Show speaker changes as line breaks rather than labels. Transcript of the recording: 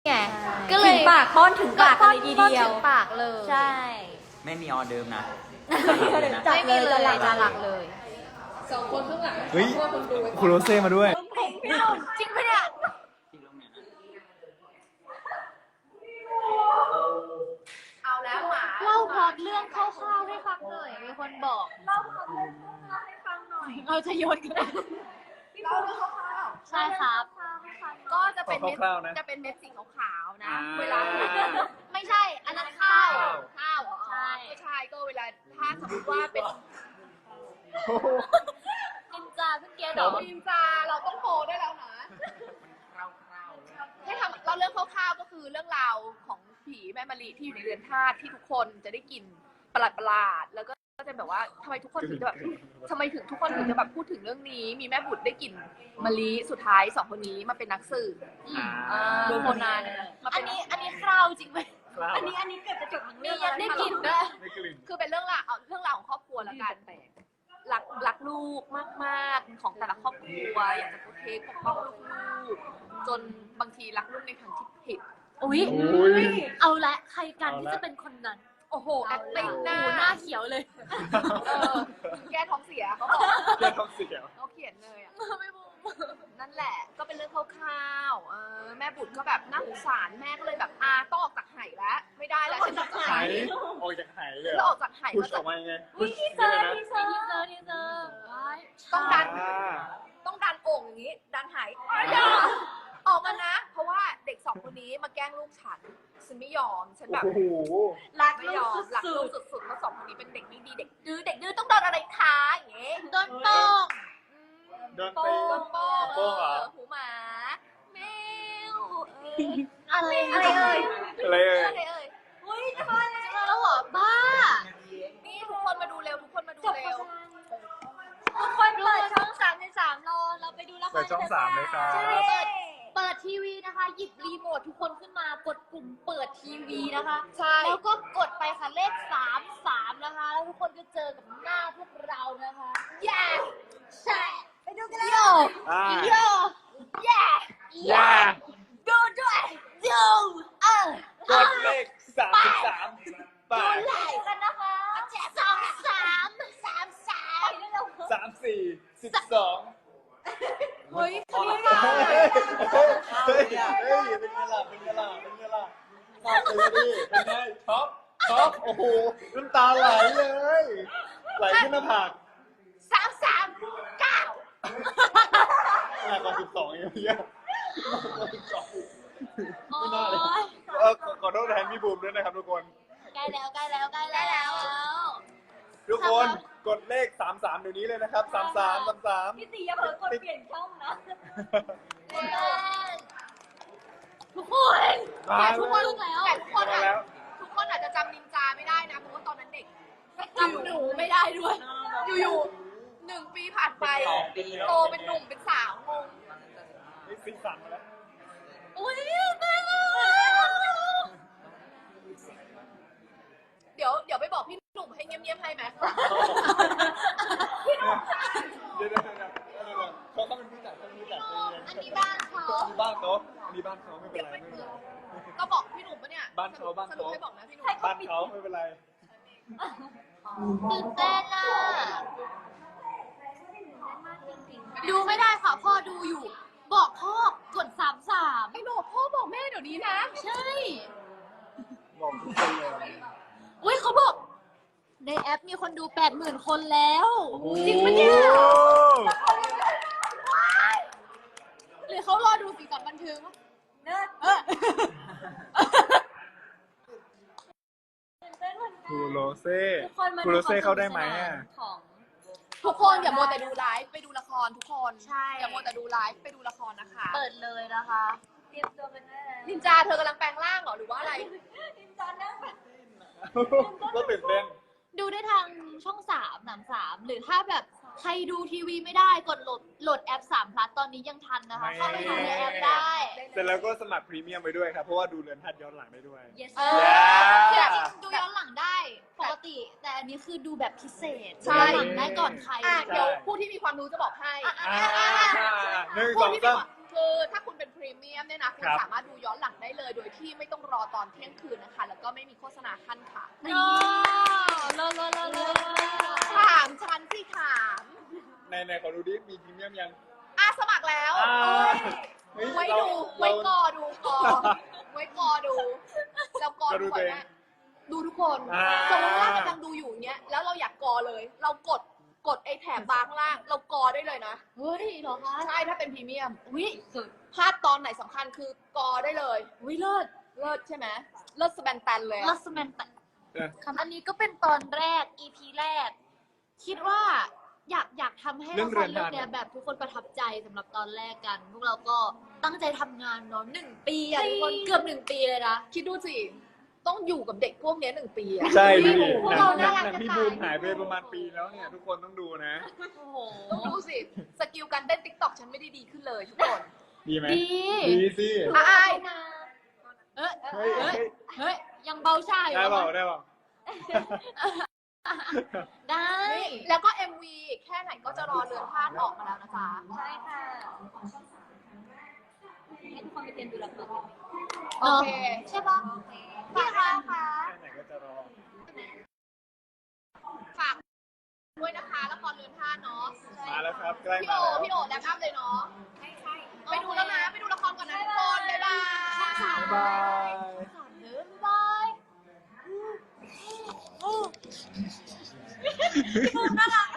ไงก็เลย
ถึงปากป้อนถึงปากเลยทีเดียว
ถึงปากเลย
ใช่
ไม่มีออเดิร์ฟนะ
ไม่มีเลยจะหลักเลย
เฮ้ยคุณโรเซ่มาด้วย
จริงปะเนี่ยเอาแล้วหมาเล่าพล็อตเรื่องคร่าวๆให้ฟังหน่อยมีคนบอกเล่าพล็อตเรื่องคร่าวๆให้ฟังหน่อยเราจะโยนกันเล่าเรื่องคร่าวๆใช่ครับก็จะเป็นเม็ด
คร่าวๆนะ
จะเป็นเม็ดสีขาวๆนะเวลาไม่ใช่อันนั้นข้าวเหรอใช่ไม่ใช่ก็เวลาถ้าสมมติว่าเป็นนินจาเพิ่งเกียร์ดอกนินจาเราต้องโพได้แล้วนะให้ทำเราเรื่องคร่าวๆก็คือเรื่องราวของผีแม่มะลิที่อยู่ในเรือนธาตุที่ทุกคนจะได้กลิ่นประหลาดแล้วก็จะแบบว่าทำไมทุกคนถึงจะแบบทำไมถึงทุกคนถึงจะแบบพูดถึงเรื่องนี้มีแม่บุตรได้กลิ่นมะลิสุดท้ายสองคนนี้มาเป็นนักสืบดูโคนันมาเป็นอันนี้คราวจริงไหมอันนี้เกือบจะจบทั้งเรื่องแล้วได้กลิ่นด้วยคือเป็นเรื่องราวของครอบครัวแล้วกันแต่รักลูกมากๆของแต่ละครอบครัวอยากจะโปรเทคปกป้องลูกๆจนบางทีรักลูกในทางที่ผิด
อุ๊ยเอาละใครกันที่จะเป็นคนนั้นโอ้โห
acting หน้า
เขียวเลย
แก้ท้องเสียเขาบอก
แก้ท้องเสีย
เขาเขียนเลยอ่ะไม่บูมนั่นแหละก็เป็นเรื่องคร่าวๆแม่บุตรก็แบบน่าสงสารแม่ก็เลยแบบต้องออกจากไหแล้วไม่ได้แล้วฉันจะไห
ออกจากไหเลย
แล้วออกจากไห
พุชออกมายังไง
ทีเซอร์
ต้องดันโอ่งอย่างนี้ดันไหออกมานะเพราะว่าเด็กสองคนนี้มาแกล้งลูกฉันไม่ยอมฉันแบบ
โอ้โห
รักลูกสุดๆเพราะสองคนนี้เป็นเด็กไม่ดีเด็กดื้อต้องโดนอะไรคะอย่างเงี้ยโดนโป้ง
โดนตีโป้งเหรอ
หูหมาแมว
อะไร
อะไรเอ่ย
อุ้ยจะมาแล้วเหรอบ้านี่ทุกคนมาดูเร็วทุกคนเปิดช่อง33เราไปดูละคร
เปิดช่อง3เลยครับ
ใช่เปิดทีวีนะคะหยิบรีโมททุกคนขึ้นมากดปุ่มเปิดทีวีนะคะ
ใช่
แล้วก็กดไปค่ะเลข33นะคะแล้วทุกคนก็เจอกับหน้าพวกเรานะคะ
แย่
ใช่ไปดูกันเลยโย
ย่า
ดูด้วยดู
กดเลข33ไป
กันนะคะ
34 12
เฮ้ยคลิป
เฮ้ยเป็นไงล่ะเป็นไงตาตื่นดิเป็นไงท็อปโอ้โหน้ำตาไหลเลยไหลขึ้นหน้าผากหนักกว่า12อย่างเงี้ยไม่น่าเลยขอโทษแทนพี่บูมด้วยนะครับทุกคน
ใกล้แล้ว
ทุกคนกดเลข33เดี๋ยวนี้เลยนะครับ33
พี่ตีอย่าเผลอกดเปลี่ยนช่องนะทุกคน
แต่ทุกคน
แล้ว
ทุกคนอาจจะจำนินจาไม่ได้นะเพราะว่าตอนนั้นเด็กจำหนูไม่ได้ด้วยอยู่1 ปีผ่านไปโตเป็นหนุ่มเป็นสาวงง
นี่ซีซั่นมาแล้ว
อุ้ยตายแล้วเดี๋ยวไปบอกพี่หนุ่มให้เงียบๆให้ไหมพี่หนุ่ม
เดี๋ยวเขาเป็นผู้จัด
อันนี้บ้านเขา
อันนี้บ้านเขาไม่เป็นไร
ก็บอกพี่หนุ่มปะเนี่ย
บ้านเขา
สรุปให้บอกนะพี่หนุ่ม
บ้านเขาไม่เป็นไร
ตื่นเต้นอ่ะดูไม่ได้ค่ะพ่อดูอยู่ บอกพ่อกด33
ไอ้หนูพ่อบอกแม่เดี๋ยวนี้นะ
ใช่
บอกทุกคนเลย
อุ้ยเขาบอกในแอปมีคนดู 80,000 คนแล้ว
จริงปะเนี่ย
หรือเขารอดูสีสันบันเทิงเนอะ
คูโรเซ่เข้าได้ไหมอ่ะ
ทุกคนอย่ามัวแต่ดูไลฟ์ไปดูละครทุกคน
ใช่
อย่ามัวแต่ดูไลฟ์ไปดูละครนะคะ
เปิดเลยนะคะเตรียมตัวกันได้แล้ว
นินจาเธอกำลังแปลงร่างเหรอหรือว่าอะไร
นินจานั่ง
ก็ตื่นเต้น
ดูได้ทางช่อง3หรือถ้าแบบใครดูทีวีไม่ได้กดโหลดแอป3 plus ตอนนี้ยังทันนะคะเข้าไปดูในแอปได้
เสร็จแล้วก็สมัครพรีเมียมไปด้วยครับเพราะว่าดูเรือนธาตุย้อนหลังได้ด้วย
yes ดูย้อนหลังได้ปกติแต่อันนี้คือดูแบบพิเศษย้อนหลังได้ก่อนใคร
เดี๋ยวผู้ที่มีความรู้จะบอกให้
1 2 3
คือถ้าคุณเป็นพรีเมียมเนี่ยนะคุณ
ครับ
สามารถดูย้อนหลังได้เลย โดยที่ไม่ต้องรอตอนเที่ยงคืนนะคะ แล้วก็ไม่มีโฆษณาขั้นค่ะ
โอ้เลิศเลิศเลิศเลิศ
ถามฉันสิถาม
ในขอดูดิมีพรีเมียมยัง
สมัครแล้ว
เฮ้ย
ไว้ดู
เรา
ไว้กอดูกอไว้กอดูเรากอ
ก็ดู
ทุกค
ตัวน เอง
นะดูทุกคน
อ่า
สมมติว่ากำลังดูอยู่เนี้ยแล้วเราอยากกอเลย เรากดไอ้แถบบาร์ข้างล่าง เรากอได้เลยนะ
เฮ้ยเหรอคะ
ใช่ถ้าเป็นพรีเมียม
วิสุด
พลาดตอนไหนสำคัญคือกอได้เลย
วิเลิศ
เลิศใช่ไหมเลิศสแบนแตนเลยอะ
ลัสแมนแต่
เออ
อันนี้ก็เป็นตอนแรก EP แรก คิดว่าอยากทำให้
เรื่
ละ
อง
ค
เรื
ร
อน
เรื่อง
ธาตุ
เนี้ยแบบทุกคนประทับใจสำหรับตอนแรกกัน พวกเราก็ตั้งใจทำงานเนาะ1 ปีอะทุกคนเกือบ1 ปีเลยนะ
คิดดูสิ ต้องอยู่กับเด็กพวกเนี้ย1 ปีอะ
ใช่ดิ
พวก
หนั
เรา
ง
น่ารัก
หนัง
จะ
พี่
ตาย
บูมหายไปประมาณปีแล้วเนี่ย ทุกคนต้องดูนะ
โอ้โห
ต้องดูสิ สกิลการเต้นติ๊กต็อกฉันไม่ได้ดีขึ้นเลยทุกคน
ดีไหม
ดี
ดีสิ
อาย
เอ้ย
เฮ้ย
เอ้ย
เฮ้ย
เฮ้ยยังเบาชาอยู่
ได้เปล่า
เหรอ
ได้เปล่า
ได้
แล้วก็ MV แค่ไหนก็จะรอเรือนธาตุออกมาแล้วนะจ๊ะ
ใช่ค่ะให้ทุกคนไปเตรียมดูละคร
โอเค
ใช่ปะพี่คะค่ะ
แค่ไหนก็จะรอ
ฝากด้วยนะคะละครเรือนธาตุเนาะ
มาแล้วครับ ใกล้
พี่
มา
โอ
แล้ว
พี่โอแลกอัพเลยเนาะ
ใช่ใช่
ไปดูแล้วนะ ไปดูละครก่อนนะทุกคน บ๊ายบาย
บ๊ายบาย
เดินบายน่ารัก